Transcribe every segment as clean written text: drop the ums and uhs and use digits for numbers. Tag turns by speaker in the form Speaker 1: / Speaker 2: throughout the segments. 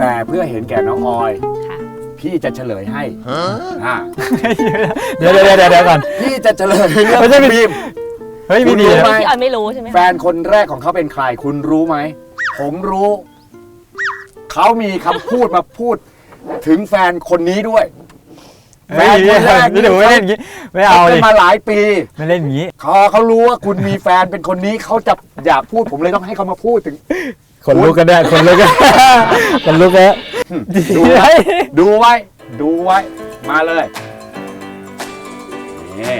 Speaker 1: แต่เพื่อเห็นแก่น้องออย
Speaker 2: ค่ะ
Speaker 1: พี่จะเฉลยให้
Speaker 3: เดี๋ยวก่อน
Speaker 1: พี่จะเฉลยเรื่อง
Speaker 3: ไม่ใช่เป็น
Speaker 1: บีม
Speaker 3: เฮ้ยไม่ดี
Speaker 1: คุณรู้ไหม
Speaker 2: พี่ออยไม่รู้ใช่ไหม
Speaker 1: แฟนคนแรกของเขาเป็นใครคุณรู้ไหมผมรู้เขามีคำพูดมาพูดถึงแฟนคนนี้ด้วยแฟนคนแรก
Speaker 3: นี่เดี๋ยวไม่เล่นอย่างงี้ไม่เอา
Speaker 1: เขา
Speaker 3: เล
Speaker 1: เป็
Speaker 3: ย
Speaker 1: นมาหลายปี
Speaker 3: ไม่เล่นอย่างงี้
Speaker 1: เขารู้ว่าคุณมีแฟนเป็นคนนี้เขาจะอยากพูดผมเลยต้องให้เขามาพูดถึง
Speaker 3: คนลุกกันได้คนลุกกันคนลุกแล้ว
Speaker 1: ดูไว้ดูไว้ดูไว้มาเลยนี่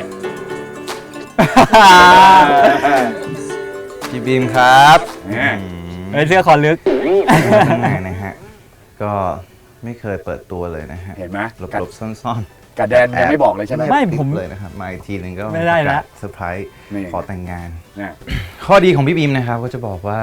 Speaker 4: พี่บีมครับ
Speaker 1: นี่
Speaker 3: เฮ้ยเสื้อคอลึก
Speaker 4: ทำงานนะฮะก็ไม่เคยเปิดตัวเลยนะฮะ
Speaker 1: เห็นไหม
Speaker 4: หลบๆซ่อน
Speaker 1: กระแดนยังไม่บอกเลยใช่ไหม
Speaker 3: ไม่
Speaker 4: ติด
Speaker 3: ผม
Speaker 4: เลยนะครับมาอีกทีหนึงก็
Speaker 3: ไม่ได้ละ
Speaker 4: เซอร์ไพรส์
Speaker 1: นี่
Speaker 4: ขอแต่งงาน
Speaker 1: เนี่ย
Speaker 4: ข้อดีของพี่บีมนะครับก็จะบอกว่า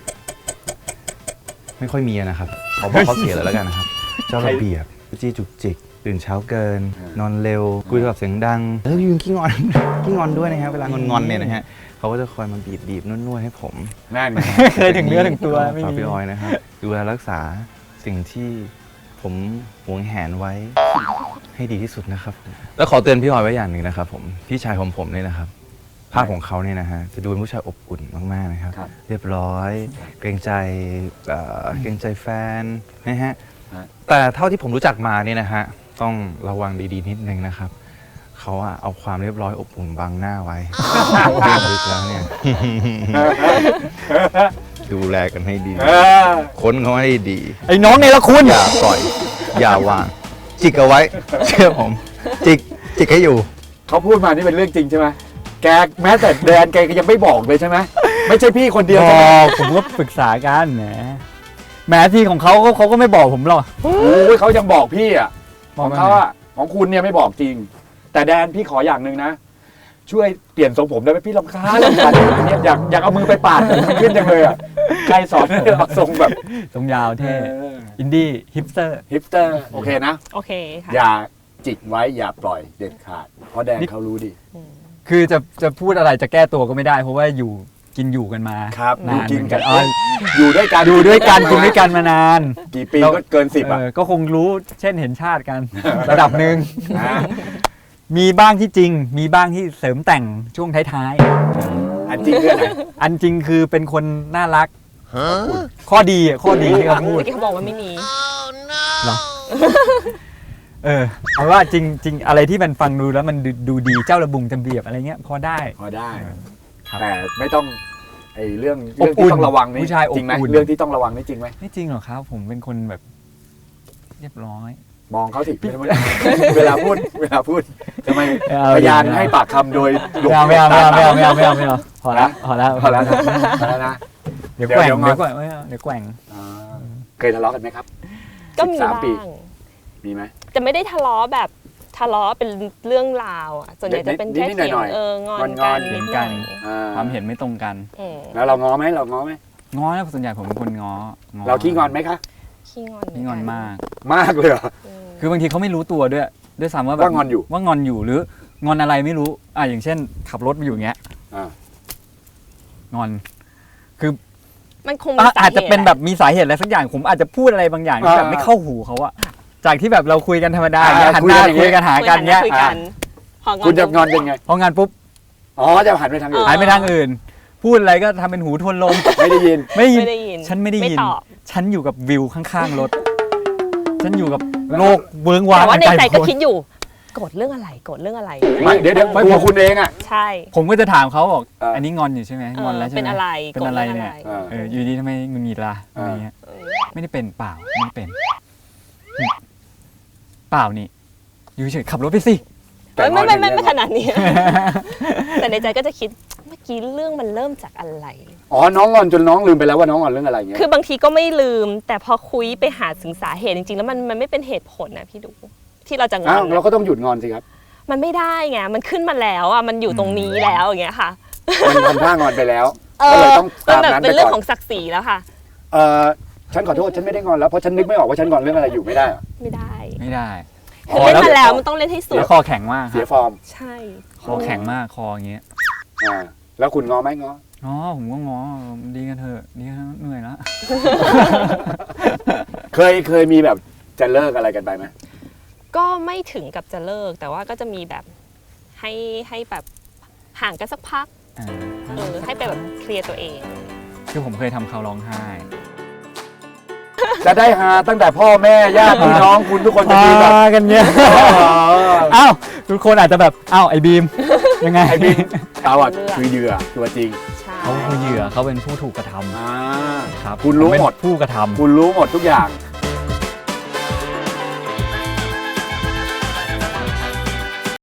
Speaker 4: ไม่ค่อยมีนะครับขอบอกข้อเสียเลยแล้วกันนะครับเจ้าระเบียบจี้จุกจิกตื่นเช้าเกิน นอนเร็วคุยโทรศัพท์เสียงดังแล้วยืนขี้งอน ขี้งอนด้วยนะครับเวลางอนๆเนี่ยนะฮะเขาก็จะคอยมาบีบนวดให้ผม
Speaker 1: นั่นไง
Speaker 3: เคยถึงเนื้อถึงตัวไม่
Speaker 4: ฝาก
Speaker 3: มี
Speaker 4: พี่ออยนะครับดูแลรักษาสิ่งที่ผมหวงแหนไว้ให้ดีที่สุดนะครับ แล้วขอเตือนพี่ออยไว้อย่างหนึ่งนะครับผมพี่ชายของผมเนี่ยนะครับ ภาพของเขาเนี่ยนะฮะจะดูเป็นผู้ชายอบอุ่นมากๆนะครับ
Speaker 1: ครับ
Speaker 4: เรียบร้อย เกรงใจแฟนนะฮะ
Speaker 1: ฮะ
Speaker 4: แต่เท่าที่ผมรู้จักมาเนี่ยนะฮะต้องระวังดีๆนิดนึงนะครับเขาอะเอาความเรียบร้อยอบอุ่นบังหน้าไว้ลึกแล้วเนี่ย ดูแลกันให้ดี
Speaker 1: เออ
Speaker 4: ค้นเขาให้ดี
Speaker 3: ไอ้น้องในละคุณ
Speaker 4: อย่าปล่อย อย่าวาง จิกเอาไว้ เชื่อผม จิกให้อยู่
Speaker 1: เขาพูดมานี่เป็นเรื่องจริงใช่ไหมแกแม้แต่แดนแกก็ยังไม่บอกเลยใช่ไหมไม่ใช่พี่คนเดียว
Speaker 3: บ
Speaker 1: ใช่ไหม
Speaker 3: อกผมก็ปรึกษากันแหมที่ของเขาก็ไม่บอกผมหรอก
Speaker 1: โอ้ยเขายังบอกพี่อ่ะ
Speaker 3: บ
Speaker 1: ข
Speaker 3: อก
Speaker 1: อง
Speaker 3: ว่า
Speaker 1: เขาอ่ะของคุณเนี่ยไม่บอกจริง แต่แดนพี่ขออย่างหนึ่งนะ ช่วยเปลี่ยนทรงผมได้ไหมพี่รำคาญเนี่ยอยากเอามือไปปาดมันขึ้นจังเลยอ่ะใครสอนให้เอาทรงแบบ
Speaker 3: ทรงยาวเท่อินดี้ฮิปสเตอร์
Speaker 1: ฮิปสเตอร์โอเคนะ
Speaker 2: โอเคค่ะ
Speaker 1: อย่าจิกไว้อย่าปล่อยเด็ดขาด เพราะแดนเขารู้ดี
Speaker 3: คือจะพูดอะไรจะแก้ตัวก็ไม่ได้ เพราะว่ากินอยู่กันมา
Speaker 1: ครับ
Speaker 3: นาน
Speaker 1: กินกัน
Speaker 3: เหมือ
Speaker 1: อยู่ด้วยกัน
Speaker 3: อยู่ด้วยกันกินด้วยกันมานาน
Speaker 1: กี่ปีก็เกิน10อ่ะ
Speaker 3: ก็คงรู้เช่นเห็นชาติกัน ระดับหนึ่ง
Speaker 1: นะ
Speaker 3: มีบ้างที่จริง มีบ้างที่เสริมแต่งช่วงท้าย
Speaker 1: อันจริงเรื่องไหน
Speaker 3: ๆอันจริงคือเป็นคนน่ารักข้อดีที่เขาพูด
Speaker 2: เมื่อกี้เขาบอกว่าไม่มี
Speaker 3: เหรอเอาว่าจริง อะไรที่มันฟังดูแล้วมันดูดีเจ้าระบุงจำเบียบอะไรเงี้ยพอได้
Speaker 1: พอได้
Speaker 3: ครับ
Speaker 1: แต่ไม่ต้องไอ้เรื่อง
Speaker 3: อบอุ่
Speaker 1: ที่
Speaker 3: น
Speaker 1: ต้องระวังนี่
Speaker 3: ผู้ชายอบ
Speaker 1: จริงไหม
Speaker 3: อุ่น
Speaker 1: เรื่องที่ต้องระวังนี่จริงไหม
Speaker 3: ไม่จริงหรอกครับ ผมเป็นคนแบบเรียบร้อย
Speaker 1: มองเขาสิเวลาพูดทำไม
Speaker 3: ไม่เอา
Speaker 1: พยาน
Speaker 3: ไม่เอา
Speaker 1: ให้ปากคำโดยหลบ
Speaker 3: ไม่เอา
Speaker 1: ต
Speaker 3: ไม่เอาพอแล้ว
Speaker 1: พอแล้วนะ
Speaker 3: เดี๋ยวแกว่ง
Speaker 1: เดี๋ยว
Speaker 3: เดี๋ยวแกว่งไม่เอาเดี๋ยวแกว่ง
Speaker 1: อ่าเคยทะเลาะกันไหมครับ
Speaker 2: ก็มี
Speaker 1: 13ปี
Speaker 2: บ้าง
Speaker 1: มีไหม
Speaker 2: จะไม่ได้ทะเลาะแบบทะเลาะเป็นเรื่องราวอ่ะส่วนใหญ่จะเป็นแค่
Speaker 1: นิดๆหน่
Speaker 2: เถีย
Speaker 1: อง ยๆ
Speaker 2: งอน
Speaker 1: งอน
Speaker 2: กัน
Speaker 3: เถี
Speaker 2: นิ
Speaker 3: ย
Speaker 2: ด
Speaker 3: ง
Speaker 2: ห
Speaker 3: กั
Speaker 2: น่อน ย
Speaker 1: อ่
Speaker 3: ความเห็นไม่ตรงกัน
Speaker 2: อืม
Speaker 1: แล้วเราง้อไหม
Speaker 3: ง้อนะส่วนใหญ่ผมเป็นคนง้อ
Speaker 1: เราขี้งอนไหมคะ
Speaker 2: ขี้งอน
Speaker 3: ขี้งอนมาก
Speaker 1: มากเลยเหรอ
Speaker 3: คือบางทีเขาไม่รู้ตัวด้วยซ้ำว่าแบบ
Speaker 1: ว่างอนอยู่
Speaker 3: ว่างอนอยู่หรืองอนอะไรไม่รู้อย่างเช่น ขับรถมาอยู่อย่างเงี้ย
Speaker 1: อ่า
Speaker 3: งอน
Speaker 2: มันคงมีสา
Speaker 3: อาจ
Speaker 2: เห
Speaker 3: จะ
Speaker 2: ตุ
Speaker 3: เป็นแบบมีสาเหตุอะไรสักอย่างผมอาจจะพูดอะไรบางอย่างที่แบบไม่เข้าหูเขาอะจากที่แบบเราคุยกันธรรมดาอย่างเงี้ยหันหน้าคุยกันหากันเงี้ย
Speaker 2: คุยกันพองอน
Speaker 1: คุณจะงอนยังไง
Speaker 3: พองานปุ๊บ
Speaker 1: อ๋อจะหันไปทางอื่น
Speaker 3: หายไปทางอื่น พูดอะไรก็ทำเป็นหูทวนลม
Speaker 1: ไม่ได้ยิน
Speaker 3: ไม่
Speaker 2: ไม่ได้ยิน
Speaker 3: ฉันไม่ได้ยิน
Speaker 2: ตอบ
Speaker 3: ฉันอยู่กับวิวข้างๆรถ ฉันอยู่กับโลกเวิ้งว้าง
Speaker 2: แต่ว่าในใจก็
Speaker 3: โพ้น
Speaker 2: คิดอยู่โกรธเรื่องอะไรโกรธเรื่องอะไร
Speaker 1: ไม่เดี๋ยวตัวคุณเองอ่ะ
Speaker 2: ใช่
Speaker 3: ผมก็จะถามเขาบอก
Speaker 1: อ่า
Speaker 3: อันนี้งอนอยู่ใช่ไหมงอนแล้วใช่ไหม
Speaker 2: เป็นอะไร
Speaker 3: เป็น
Speaker 2: โกรธ
Speaker 3: อะไร
Speaker 2: เรื่อง
Speaker 3: เนี่ย
Speaker 2: อะไร
Speaker 3: อยู่ดีทำไมหงุดหงิดล่ะอะไรเงี้ย
Speaker 2: เออ
Speaker 3: ไม่ได้เป็นเปล่าไม่ได้เป็นเปล่านี่อยู่เฉยขับรถไปสิ
Speaker 1: แต่งอน
Speaker 2: ไม่
Speaker 1: อย่างเงี้ย
Speaker 2: ไม่ขนาดนี้ แต่ในใจก็จะคิดเมื่อกี้เรื่องมันเริ่มจากอะไร
Speaker 1: อ๋อน้องงอนจนน้องลืมไปแล้วว่าน้องงอนเรื่องอะไรเงี้ย
Speaker 2: คือบางทีก็ไม่ลืม แต่พอคุยไปหาถึงสาเหตุจริงๆ แล้วมันไม่เป็นเหตุผลนะพี่ดู ที่เราจะงอ
Speaker 1: อ้าวน เราก็ต้องหยุดงอนสิครับ
Speaker 2: มันไม่ได้ไงมันขึ้นมาแล้วอ่ะมันอยู่ตรงนี้แล้วอย่างเงี้ยค่ะ
Speaker 1: มันทำท่างอนไปแล้ว
Speaker 2: เอ
Speaker 1: ก็เล
Speaker 2: อย
Speaker 1: ต้อง
Speaker 2: มัน
Speaker 1: ตาม
Speaker 2: แบบ
Speaker 1: นั้น
Speaker 2: เป็
Speaker 1: ไป
Speaker 2: นเรื่อง
Speaker 1: ก่
Speaker 2: ข
Speaker 1: อ
Speaker 2: อน งศักดิ์ศรีแล้วค่ะ
Speaker 1: ฉันขอโทษฉันไม่ได้งอนแล้วเพราะฉันนึกไม่ออกว่าฉันงอนเรื่องอะไรอยู่ไม่ได้เหรอ
Speaker 2: ไม่ได้
Speaker 3: ไม่ได้
Speaker 2: คือเล่นมาแล้วมันต้องเล่นให้สุ
Speaker 3: เสี
Speaker 2: ด
Speaker 3: ยคอแข็งมากค
Speaker 1: เสีย
Speaker 3: รับ
Speaker 1: ฟอร์ม
Speaker 2: ใช่
Speaker 3: คอแข็งมากคออย่างเงี้ย
Speaker 1: อ่าแล้วคุณงอไหมงอ
Speaker 3: อ๋อผมก็ง้อดีกันเถอะดีกันเถอะเหนื่อยแล้ว
Speaker 1: เคยมีแบบจะเลิกอะไรกันไปไหม
Speaker 2: ก็ไม่ถึงกับจะเลิก แต่ว่าก็จะมีแบบให้แบบห่างกันสักพัก ให้ไปแบบเคลียร์ตัวเอง
Speaker 3: คือผมเคยทำเขาร้องไห้
Speaker 1: จะได้หาตั้งแต่พ่อแม่ญาติพี่น้องคุณทุกคนจะมีแบบ
Speaker 3: กันเนี่ย อ้าวทุกคนอาจจะแบบอ้าวไอ้บีมยังไง
Speaker 1: ไอ้บินเขาอ่ะ
Speaker 2: เลือก
Speaker 1: คือเหยื่อตัวจริง
Speaker 2: ใช่
Speaker 3: เขาคือเหยื่อเขาเป็นผู้ถูกกระทำ
Speaker 1: อ่า
Speaker 3: ครับ
Speaker 1: คุณรู้หมด
Speaker 3: ผเป็นผู้กระทำ
Speaker 1: คุณรู้หมดทุกอย่าง